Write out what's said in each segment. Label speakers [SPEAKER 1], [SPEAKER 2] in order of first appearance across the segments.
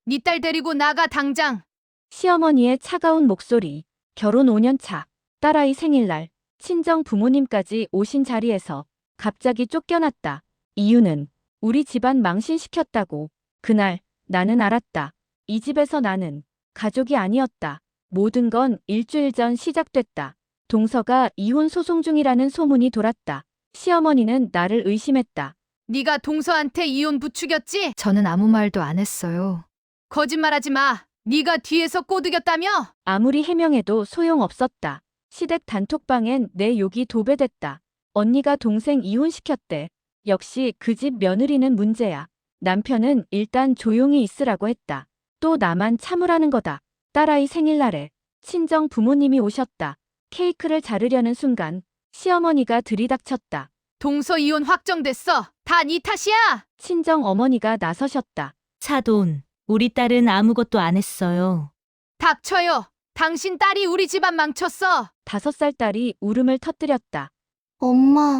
[SPEAKER 1] 네 딸 데리고 나가 당장.
[SPEAKER 2] 시어머니의 차가운 목소리. 결혼 5년 차. 딸아이 생일날. 친정 부모님까지 오신 자리에서 갑자기 쫓겨났다. 이유는 우리 집안 망신시켰다고. 그날 나는 알았다. 이 집에서 나는 가족이 아니었다. 모든 건 일주일 전 시작됐다. 동서가 이혼 소송 중이라는 소문이 돌았다. 시어머니는 나를 의심했다.
[SPEAKER 1] 네가 동서한테 이혼 부추겼지?
[SPEAKER 3] 저는 아무 말도 안 했어요.
[SPEAKER 1] 거짓말하지 마. 네가 뒤에서 꼬드겼다며?
[SPEAKER 2] 아무리 해명해도 소용없었다. 시댁 단톡방엔 내 욕이 도배됐다. 언니가 동생 이혼시켰대. 역시 그 집 며느리는 문제야. 남편은 일단 조용히 있으라고 했다. 또 나만 참으라는 거다. 딸아이 생일날에 친정 부모님이 오셨다. 케이크를 자르려는 순간 시어머니가 들이닥쳤다.
[SPEAKER 1] 동서 이혼 확정됐어. 다 네 탓이야.
[SPEAKER 2] 친정 어머니가 나서셨다.
[SPEAKER 4] 사돈, 우리 딸은 아무것도 안 했어요.
[SPEAKER 1] 닥쳐요. 당신 딸이 우리 집안 망쳤어.
[SPEAKER 2] 5살 딸이 울음을 터뜨렸다.
[SPEAKER 5] 엄마,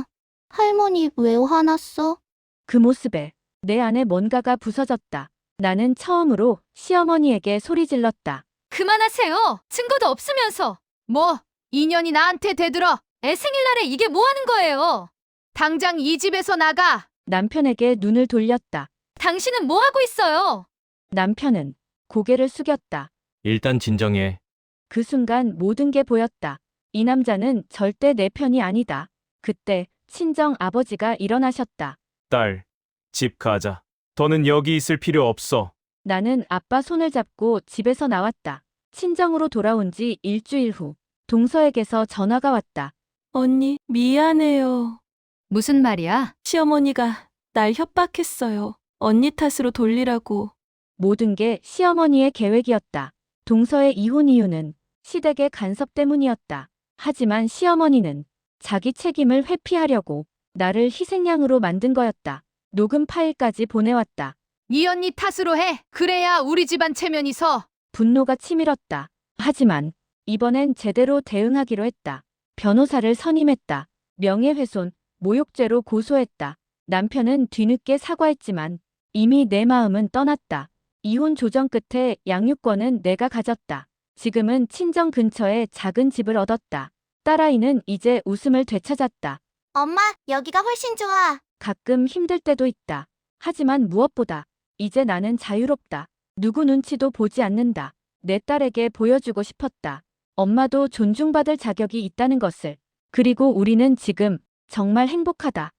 [SPEAKER 5] 할머니 왜 화났어?
[SPEAKER 2] 그 모습에 내 안에 뭔가가 부서졌다. 나는 처음으로 시어머니에게 소리 질렀다.
[SPEAKER 1] 그만하세요. 증거도 없으면서. 뭐, 인연이 나한테 대들어. 애 생일날에 이게 뭐 하는 거예요? 당장 이 집에서 나가.
[SPEAKER 2] 남편에게 눈을 돌렸다.
[SPEAKER 1] 당신은 뭐 하고 있어요?
[SPEAKER 2] 남편은 고개를 숙였다.
[SPEAKER 6] 일단 진정해.
[SPEAKER 2] 그 순간 모든 게 보였다. 이 남자는 절대 내 편이 아니다. 그때 친정 아버지가 일어나셨다.
[SPEAKER 6] 딸, 집 가자. 더는 여기 있을 필요 없어.
[SPEAKER 2] 나는 아빠 손을 잡고 집에서 나왔다. 친정으로 돌아온 지 일주일 후 동서에게서 전화가 왔다.
[SPEAKER 4] 언니, 미안해요.
[SPEAKER 3] 무슨 말이야?
[SPEAKER 4] 시어머니가 날 협박했어요. 언니 탓으로 돌리라고.
[SPEAKER 2] 모든 게 시어머니의 계획이었다. 동서의 이혼 이유는 시댁의 간섭 때문이었다. 하지만 시어머니는 자기 책임을 회피하려고 나를 희생양으로 만든 거였다. 녹음 파일까지 보내왔다.
[SPEAKER 1] 네 언니 탓으로 해. 그래야 우리 집안 체면이 서.
[SPEAKER 2] 분노가 치밀었다. 하지만 이번엔 제대로 대응하기로 했다. 변호사를 선임했다. 명예훼손, 모욕죄로 고소했다. 남편은 뒤늦게 사과했지만 이미 내 마음은 떠났다. 이혼 조정 끝에 양육권은 내가 가졌다. 지금은 친정 근처에 작은 집을 얻었다. 딸아이는 이제 웃음을 되찾았다.
[SPEAKER 5] 엄마, 여기가 훨씬 좋아.
[SPEAKER 2] 가끔 힘들 때도 있다. 하지만 무엇보다 이제 나는 자유롭다. 누구 눈치도 보지 않는다. 내 딸에게 보여주고 싶었다. 엄마도 존중받을 자격이 있다는 것을. 그리고 우리는 지금 정말 행복하다.